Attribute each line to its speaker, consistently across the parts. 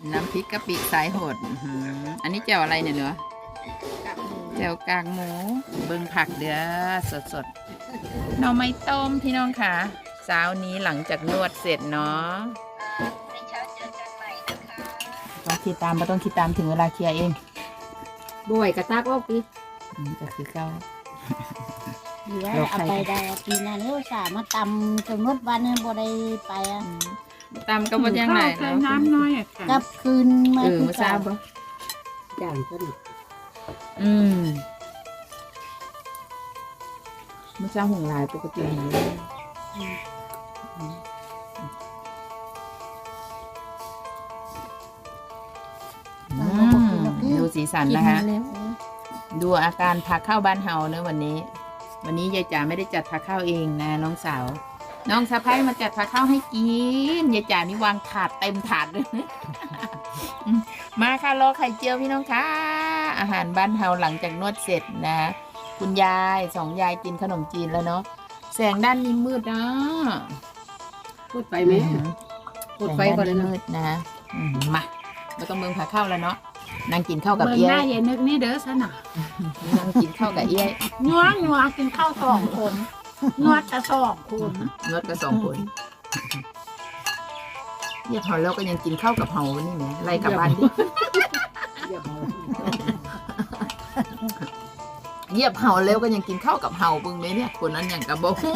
Speaker 1: น้ำพริกกะปิสายโหดอันนี้แจ่วอะไรเนี่ยเหรอแจ่วกากหมูเบิ่งผักเด้อสดๆหน่อไม้ต้มพี่น้องค่ะเช้านี้หลังจากนวดเสร็จเนาะต้องคิดตามไม่ต้องคิดตามถึงเวลาเคลียร์เอง
Speaker 2: บ่อยกระตากออกดิ
Speaker 1: ก็คือเก้า
Speaker 3: เดี๋ยวเอาไปได้ปีนั้นเลี้ยวสามาตำจนหมดวันนั้นบ่ได้ไปอ่ะ
Speaker 1: ตามก็บ่ยังไง
Speaker 2: ใส่น้ำน้อยอ่ะค่ะ
Speaker 3: กลับคืนมา
Speaker 1: มาทราบปะ
Speaker 2: อย่างก็หนึ่ง
Speaker 1: มาทราบห่วงลายปกติดูสีสันนะคะ ดูอาการพาเข้าบ้านเฮาเนอะวันนี้ยายจ๋าไม่ได้จัดพาเข้าเองนะน้องสาวน้องสะพ้ายมาจัดพาเข้าให้กินยายจ๋านี่วางถาดเต็มถาดเลย มาค่ะรอไข่เจียวพี่น้องค่ะอาหารบ้านเฮาหลังจากนวดเสร็จนะคุณยายสองยายกินขนมจีนแล้วเนาะแสงด้านนี้มืดนะ
Speaker 2: พูดไปไหมพูดไปก่อนเลยนะ
Speaker 1: มืดนะมาเราต้องเมืองพาเข้าแล้วเนาะนั่งกินข้าวกับ
Speaker 2: เบิ่ง
Speaker 1: เอี้ย
Speaker 2: หน้าเย็นนึกนี่เด้อสนะ
Speaker 1: นั่งกินข้าวกับเอี้ย
Speaker 2: นัวกินข้าว2 คนนวดแต่2 คน
Speaker 1: นวดกัน2 คนเยียบเฮาแล้วก็ยังกินข้าวกับเฮานี่แหมไล่กลับบ้านดิเยียบเฮาแล้วก็ยังกินข้าวกับเฮาเบิ่งแม่เนี่ยคนนั้นอย่างกับบ่ฮู้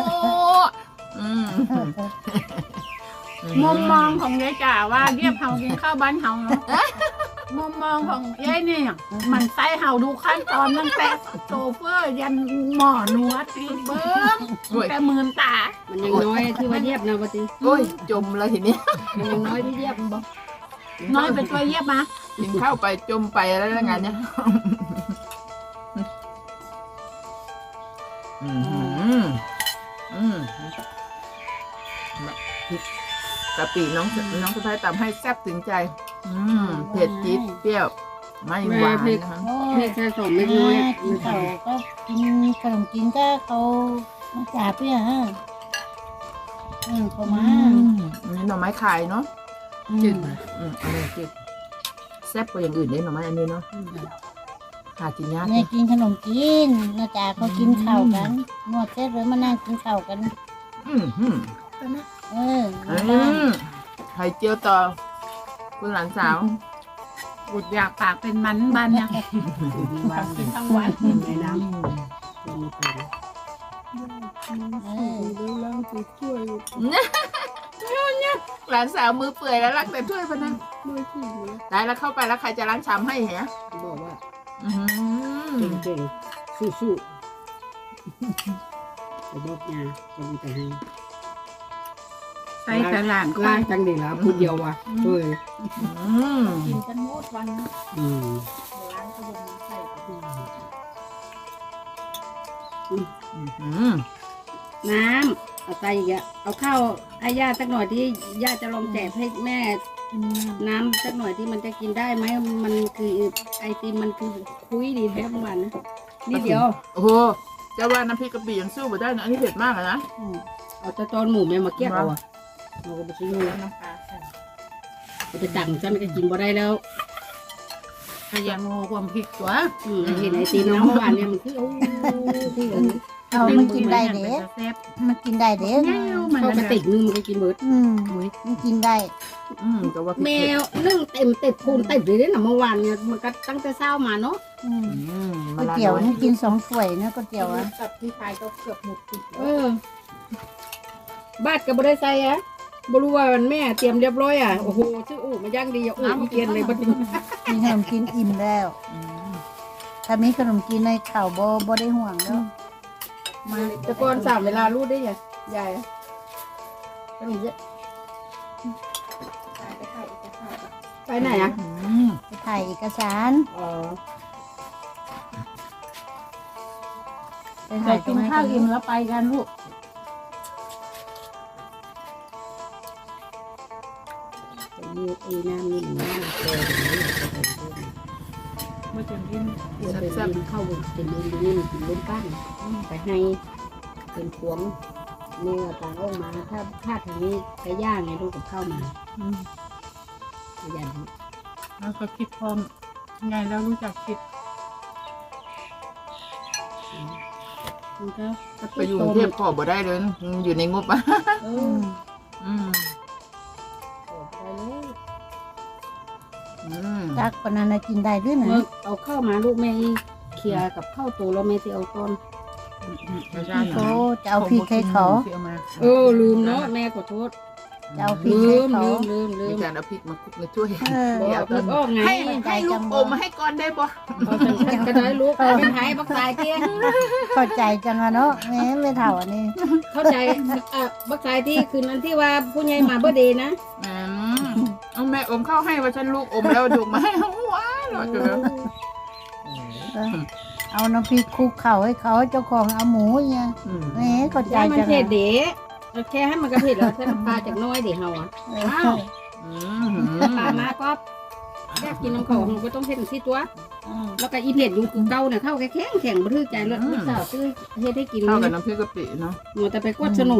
Speaker 2: มุมมองของยายจ๋าว่าเรียบเฮากินข้าวบ้านเฮาเนาะมุมมองของยายเนี่ยมันใส่เฮาดูขั้นตอนตั้งแต่โซเฟอร์ยันหมอนวดตีเบิ้งแต่มือตา
Speaker 4: มันยังน้อยที่ว่าเยียบนะปฏิ
Speaker 1: โอ้ยจมแล้วทีนี้
Speaker 4: มันยังน้อยที่เยียบบ่
Speaker 2: น้อยเป็นตัวเยียบมา
Speaker 1: กินข้าวไปจมไปแล้วงานเนี้ยกะปิน้องสะพ้ายตำให้แซ่บถึงใจเผ็ดจี๊ดเปรี้ยวไม่หวานนะคะ
Speaker 3: โอ้
Speaker 4: เพียงแค่2 เม็ดน้อย
Speaker 3: กินข้าวก็กินขนมกินก็เขามาจ่าเพื่อฮะเขามา
Speaker 1: นี่หน่อไม้ไข่เนาะ
Speaker 4: จืด
Speaker 1: อันนี้จืดแซ่บกว่าอย่างอื่นเลยหน่อไม้อันนี้เนาะหากินยาก
Speaker 3: แม่กินขนมกินนาจ่าเขากินข้าวกันนวดเสร็จแล้วมานั่งกินข้าวกัน
Speaker 1: ไข่เจียวต่อคุณหลานสาว
Speaker 2: อุดอยากปากเป็นมันบ้านเนี่ยกินทั้งวัน
Speaker 4: ในน้ำ
Speaker 1: หลานสาวมือเปื่อยแล้วรักแต่ถ้วยพนันตายแล้วเข้าไปแล้วใครจะล้างชามให้เหรอ
Speaker 4: บอกว่า
Speaker 1: อื้อหือ
Speaker 4: เก่งๆสู้ๆไปบอกยาจะมีแต่ให้
Speaker 2: ใส่แต่หลานค่อ
Speaker 4: ล้าง
Speaker 2: ย
Speaker 4: จังดีแล้วพูดเดียวว่ะช่วย
Speaker 2: กินกันหมดวัน
Speaker 3: ล้างก็ยังใส่
Speaker 4: น้ำเอาใจอีกอะเอาข้าวให้ย่าสักหน่อยที่ย่าจะลองแจกให้แม่น้ำสักหน่อยที่มันจะกินได้ไหมมันคือไอติมมันคือคุยดีแท้เมื่อวานนะนี่เดียว
Speaker 1: โอ้โหจะว่าน้ำพริกกะปิยังสู้มาได้นะอันนี้เผ็ดมากอะนะ
Speaker 4: เอาตะตอนหมูแม่มาเกี้ยเอาอะเราก็ไปซื้อเลยนะเราจะตักฉันก็กินบ่ได้แล้ว
Speaker 2: ขยันโง่ความผิดตัว
Speaker 4: เห็นไอติมน้ำเมื่อวานเนี่ยมันคือโอ้ที่
Speaker 3: เอามันกินได้เด้
Speaker 2: แซ่บ
Speaker 3: มันกินได้เด้
Speaker 2: แง่มัน
Speaker 4: เข้ากระติกนึงมันก็กินเบิด
Speaker 3: มันกินได้
Speaker 1: แต่ว่า
Speaker 4: แมวนึ่งเต็มติดพูนเต็มเลยนะเมื่อวานเนี่ยมันก็ตั้งแต่เช้ามาเนาะ
Speaker 3: ก๋วยเตี๋ยวนี่กิน2 ถ้วยนะก๋วยเตี๋ยวอ่ะ
Speaker 2: กับที่ขายก็เกือบหมดติด
Speaker 4: บาดกับบได้ใส่อะบ่รู้ว่าแม่เตรียมเรียบร้อยอ่ะโอ้โหชื่ออู่มาย่างดีอ่ะอู่อีเกียนเลยบัดนี้
Speaker 3: มีขนมกินอิ่มแล้ว ถ้ามีขนมกินในข้าวบ่ได้ห่วงแล้ว
Speaker 4: มาแต่ก่อน3 เวลารู้ได้ไงยายขนมเยอะไปไหนอ่ะ
Speaker 3: ไปถ่ายเอกสาร
Speaker 4: อ๋อ
Speaker 3: ไป
Speaker 2: แต่
Speaker 3: ถ่ายตร
Speaker 2: กิ
Speaker 3: ง
Speaker 2: น
Speaker 3: ไหน
Speaker 2: ข้าวอิ่มแล้วไปกันลูก
Speaker 4: มีไอ้น้ำนี่หนูน้ำเต็ม
Speaker 2: เมื่อจะกิน
Speaker 4: เป็นเข้าเป็นดินนี่กินล้นก้านไปให้เป็นพวงนี่ต่างออกมาถ้าทางนี้ไปย่างไงลูกกับข้าวมาขยัน
Speaker 2: แล้วก็คิดพร้อมไงแล้วรู้จักคิด
Speaker 4: มันก็
Speaker 1: ไปอยู่กรุงเทพขอบ่ได้เลยอยู่ในงบอ่ะ
Speaker 4: เอ
Speaker 3: อื
Speaker 4: อ
Speaker 3: ม
Speaker 1: อืม
Speaker 4: ขอไปเลย
Speaker 3: จักปานนั้นน่ะกินได้ด้วยนะ
Speaker 4: เมื่อเอาเข้ามาลูกแม่เคลียร์กับข้าวตัวแล้วแม่ที่เอาต้น
Speaker 1: ไม่ใช่
Speaker 3: โอ้จะเอาพริกให้เขา
Speaker 4: ลืมเนาะแม่ขอโทษ
Speaker 3: จะเอาพริก
Speaker 4: ลื
Speaker 3: ให้
Speaker 4: ม
Speaker 3: เขา
Speaker 4: ลืม
Speaker 1: มีการเอาพริกมาคลุกในถ้วย
Speaker 3: เออ
Speaker 4: บอกเอาพริกออกไง
Speaker 1: ให้ลูกอมมาให้ก่อนได้บ่
Speaker 4: เอาจังซั่นก็ได้ลูกเป็นไทยบักสายที่
Speaker 3: เข้าใจจังอะเนาะแม่ไม่เท่าอันนี้
Speaker 4: เข้าใจบักสายที่คืนนั้นที่ว่าผู้ใหญ่มาเบอร์เดย์นะ
Speaker 1: เอาแม่อมข้าวให้ว่าฉันลูกอมแล้วดูกมาให้ว้าหรอเจอ
Speaker 3: เอาน้ำพริกคลุกเข่าให้เขาเจ้าของเอาหมูเนี่ยแม่เข้าใจ
Speaker 4: ยายมัน
Speaker 3: จัง
Speaker 4: เผ็
Speaker 3: อะ
Speaker 4: ดเด๋แค่ให้มันกระเผ็ดแล้วใส่น้ำปลาจากน้อยเดี๋ยวเฮาอ่ะ
Speaker 3: เอ
Speaker 4: อ้า
Speaker 3: อ
Speaker 4: วปลามาก็แค่กินน้ำของก็ต้องเผ็ดสิตัว แล้วก็อีเผ็ดอยู่คือเก่าเนี่ยเข้าแข็งแข็งบ่ถือใจเลยลูกสาวซื้อเฮ็ดให้กิน
Speaker 1: เข้ากับน้ำพริกกะปิเนาะ
Speaker 4: หนูแต่ไปกวดสนุน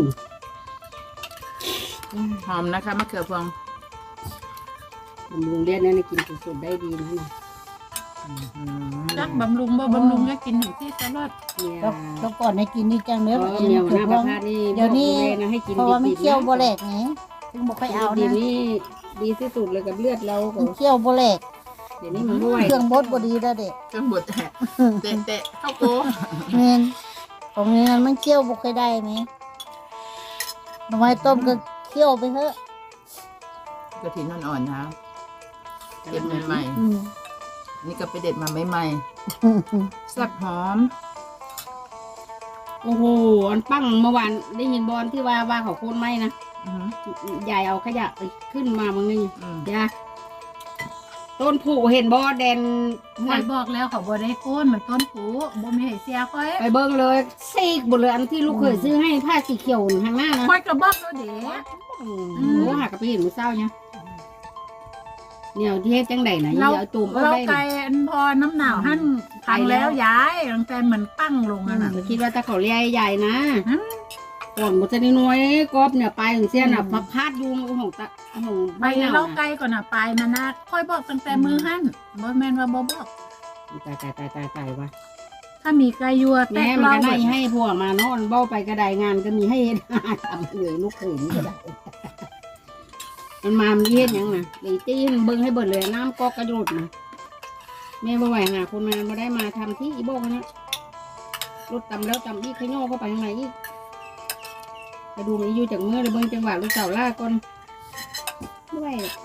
Speaker 1: หอมนะคะมะเขือพวง
Speaker 4: บำรุงเลือดเนี่ยกินสุดๆได้ดีนะเนี่ย
Speaker 2: จักบำรุงบ่บำรุงก็กินถึงที่ตลอด
Speaker 4: เนี่ย
Speaker 3: แล้วก่อนให้กินนี่จังเด้อ
Speaker 4: เหนียวหน้าประพาสนี่
Speaker 3: เดี๋ยวนี้
Speaker 4: บอกเลยนะให้กิน
Speaker 3: เพราะว่ามัน
Speaker 4: ดีๆ
Speaker 3: เคี่ยวบ่แหลกไงถึงบ่ค่อยเอา
Speaker 4: ดี
Speaker 3: นะ
Speaker 4: นี่ดีที่สุดเลยกับเลือดเราก็
Speaker 3: มันเคี่ยวบ่แหลก
Speaker 4: เดี๋ยวนี้มันบ่ไหว
Speaker 3: เครื่องบดบ่ดีแล้วเด็ก
Speaker 1: เครื่องบดแตะเตะเข้าโก
Speaker 3: แม่นของนี้มันเคี่ยวบ่ค่อยได้ไหมหน่อไม้ต้มก็เคี่ยวไปเถอะ
Speaker 1: กระถิ่นอ่อนๆนะเด็ดใหม่
Speaker 3: อืม
Speaker 1: ๆนี่ก็ไปเด็ดมาใหม่ๆแซ่บหอม
Speaker 4: โอ้โหอันปั้งเมื่อวานได้ยินบอลที่ว่าเขาโค่นไม้นะยายเอาขยะไปขึ้นมาบางนึงยาต้นผูเห็นบอแดน
Speaker 2: คอยบอกแล้วเขาบ่ได้โค่นมันต้นผูบ่มีให้เสียค่อย
Speaker 4: ไปเบิ่งเลยซีกหมดเลยอันที่ลูกเคยซื้อให้ผ้าสีเขียวข้างหน้านะ
Speaker 2: ค่อยกระบอกแล้วเด้
Speaker 4: โอ้หากระไปเห็นมือเศร้าเนี่ยเนี่ยที่เฮ็ดจังไดนะ
Speaker 2: เรา
Speaker 4: อย่าเอาตุ่มเอา
Speaker 2: เรา
Speaker 4: ได้
Speaker 2: ไกลอันพอน้ำหนาวหั่นพังแล้วย้ายตั้งแต่มันปั้งลงอ่ะน่ะ
Speaker 4: คิดว่าตะเขาเลี้ยใหญ่นะก่อนมันจะน้อยกอบเนี่ยไปถึงเสี้ยนอ่ะพับพาดยุงของตะของ
Speaker 2: ไปเราไกลก่อนน่ะไปมานะค่อยบอกตั้งแต่มือหั่นบ่แม่นว่าบ่บอก
Speaker 4: ตายว่ะ
Speaker 2: ถ้ามีไก่ยัวแต
Speaker 4: แม่
Speaker 2: ก
Speaker 4: มัน
Speaker 2: เรา
Speaker 4: ก็ได้ให้พวกมานอนเบ้าไปกระไดงานก็มีให้เฮ็ดทำเลยลูกเขยนี่ก็ได้มันมามันเฮ็ดหยังนะเลยตีนเบิ่งให้เบิดเลยน้ำก็กระโดดนะแม่บ่ไหวหาคนมาบ่ได้มาทำที่อีโบกันนะรถตำแล้วตำอีกขย่อเข้าไปข้างในอีกกระดูกอีอยู่จากมือเลยเบิ่งจังหวะลูกสาวล่าก่อนบ่ไหวหรอก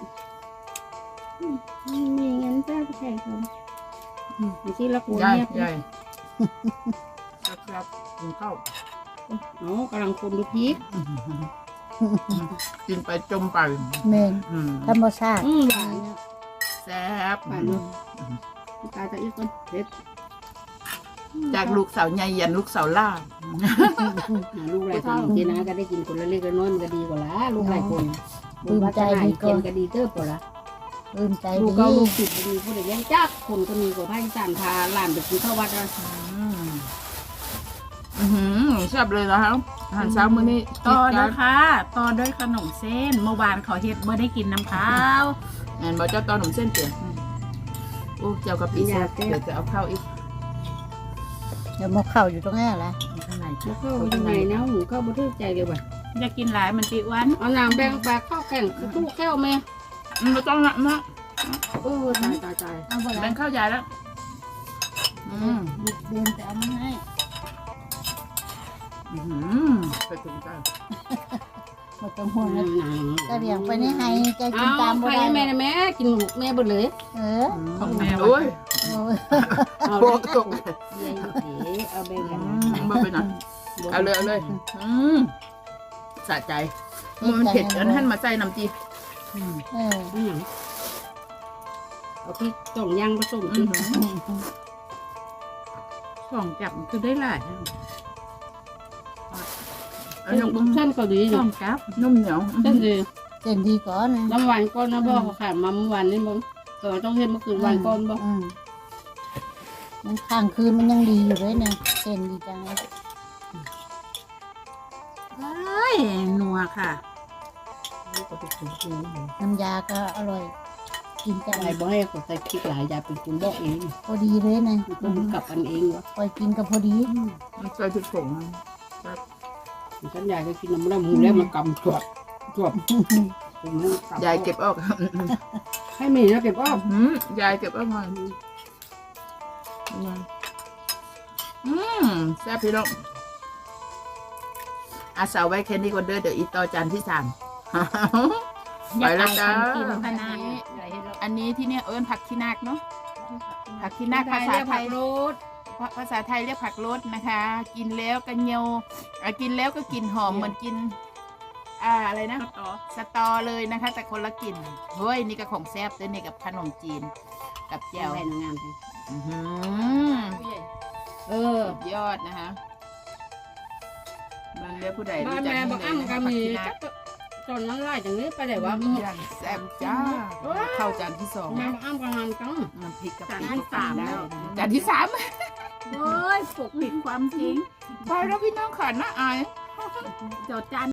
Speaker 4: มีเงินจ้าผู้ชายคนมันสิละกู
Speaker 1: ใหญ่
Speaker 4: เงียบ
Speaker 1: ใหญ่ครับกินข้าว
Speaker 4: อ๋อกำลังคนดูพีก
Speaker 1: กินไปจมไป
Speaker 3: แม่นธรรมชาติ
Speaker 4: หวานเนี่ย
Speaker 1: แซ่บ
Speaker 4: หวานเนาะตายจะอีกคนเด็ด
Speaker 1: จากลูกสาวใหญ่ยันลูกสาวล่า
Speaker 4: ลูกหลายคนกินนะก็ได้กินคนละเล็กละน้อยมันก็ดีกว่าละลูกหลายคนบุญวัฒนาเกินก็ดีเติบกว่าละ
Speaker 3: ตื่นใจ
Speaker 4: ลู
Speaker 3: ดี
Speaker 4: กเก้าลูกสิบดีผู้ใดเลี้ยงจักคนก็มีกว่าภาคอีสานพาหลานไปกินข้าววัดนะ
Speaker 1: แซ่บเลยนะครับอาหารเช้ามื้อนี้
Speaker 2: ต่อนะคะต่อด้วยขนมเส้นเมื่อวานเขาเฮ็ดบ่ได้กินน้ำข้าว
Speaker 1: แอนบอกเจ้าตอนหนุ่มเส้นเตี๋ยโอ้เจ้ากะปิแซ่บเดี๋ยวจะเอาข้าวอีก
Speaker 3: เดี๋ยวมาเข้าอยู่ตรงนี้แหละ
Speaker 1: ข้างใน
Speaker 4: แล้วเข้ายังไงนะหูเข้าบ่ทึกใจเลยว่ะ
Speaker 2: อยากกินหลายมันติวัน
Speaker 4: เอาน้ำแบ่งปลาข้าวแข่งตู้แก้วแม่
Speaker 1: ไม่ต้องนะนะ
Speaker 4: ตาย
Speaker 3: เอาไป
Speaker 1: แบ่
Speaker 3: แล้
Speaker 1: ง
Speaker 3: ว
Speaker 1: ข้าวใหญ่แล้ว
Speaker 3: เดินแต่เอามาให้
Speaker 1: ไปถึงใจ
Speaker 3: หมดจังห่วงนะ
Speaker 4: หนัง
Speaker 3: จะเบี่ยงไปนี่ให้จะกิ
Speaker 4: เอา
Speaker 3: นตาม
Speaker 4: ใค
Speaker 3: บ่
Speaker 4: ร
Speaker 3: ได้
Speaker 4: แม่นะแม่กินแม่เบิดเลย
Speaker 3: เออ
Speaker 2: ของแม่
Speaker 1: โอ้ย
Speaker 3: โอ้ย
Speaker 4: เอา
Speaker 1: โบ
Speaker 4: เลย
Speaker 1: กตก
Speaker 4: เดี๋ยวเอาแบ่งกันนะ
Speaker 1: มาไปนะเอาเลยสะใจมันเผ็ดอันท่านมาใส่น้ำจี
Speaker 3: เออ
Speaker 4: เอาพริกจ่องย่างผสมพริก
Speaker 2: ของจับคือได้หลาย
Speaker 1: อันนี้
Speaker 4: เส้นเกาหลี
Speaker 2: ข
Speaker 4: เนาะ
Speaker 2: องกับ
Speaker 1: นุ่มเหนียว
Speaker 4: เส้นดี
Speaker 3: เส้นดีก่อนนะ
Speaker 4: น้ำหวานก้อนนะพ่อเขาขายมาเมื่อวานนี่บ่ก็ต้องเฮ็ดเมื่อคืนหวานก้อนบ่
Speaker 3: มันข้างคืนมันยังดีอยู่เลยเนี่ยเส้นดีจังเลย
Speaker 2: เอ้ยนัวค่ะ
Speaker 3: น้ำยาก็อร่อยกินกัน
Speaker 4: ยายบอกให้เขาใส่พริกหลายยายเป็นคนบอกเอง
Speaker 3: พอดีเลยนะ
Speaker 4: มันต้องกลับกันเองวะ
Speaker 3: คอยกินกับพอดี
Speaker 1: มันใส่พริกผง
Speaker 4: ฉันยายก็กินน้ำมันหมูแล้วมันกำจวบจวบผมนั่งกำ
Speaker 1: ยายเก็บออก
Speaker 4: ให้มีแล้วเก็บอ้อม
Speaker 1: ยายเก็บออกมาแซ่บพี่น้องอาสาวไว้แค่นี้ก่อนเด้อเดี๋ยวอีต่อจานที่3 ไปแล้วจ้า
Speaker 2: กินคณะ
Speaker 1: อันนี้ที่เนี่ยผักขี้นาคเนาะผักขี้นาคภาษาไทย
Speaker 4: รส
Speaker 1: ภาษาไทยเรียกผักรสนะคะ กินแล้วก็เงียวกินแล้วก็กลิ่นหอมเหมือนกินอะไรนะ
Speaker 2: ต่อ
Speaker 1: สตอเลยนะคะ แต่คนละกลิ่นเฮ้ยนี่ก็ของแซ่บด้วยนี่กับขนมจีนกับแจ่ว
Speaker 4: ใส่งามไป
Speaker 1: อื้อหือสุดยอดนะคะบางเรียกผู้ใด
Speaker 4: บ้า
Speaker 1: รู้
Speaker 4: น
Speaker 1: จัก
Speaker 4: แม่
Speaker 1: นี่
Speaker 4: บอก
Speaker 1: เลย
Speaker 4: อ้ำ
Speaker 1: นะ
Speaker 4: ก็
Speaker 1: คะผัก
Speaker 4: มี
Speaker 1: ขี้นาค
Speaker 4: ตอนนั้นไล่จากนี้ไปไหนวะ
Speaker 1: อย่างแซ่บจ้าเข้าจานที่2
Speaker 4: แม่บอกอ้ำก็ทำจัง
Speaker 1: น้ำพริกกับ
Speaker 2: จาน
Speaker 1: พริ
Speaker 2: ที่
Speaker 1: ก
Speaker 2: 3
Speaker 1: ได้
Speaker 2: แล้ว
Speaker 1: จานที่3
Speaker 2: เฮ้ยปกปิดความจริง
Speaker 1: ไปแล้วพี่น้องขันนะอาย
Speaker 2: เดี๋ยวจาน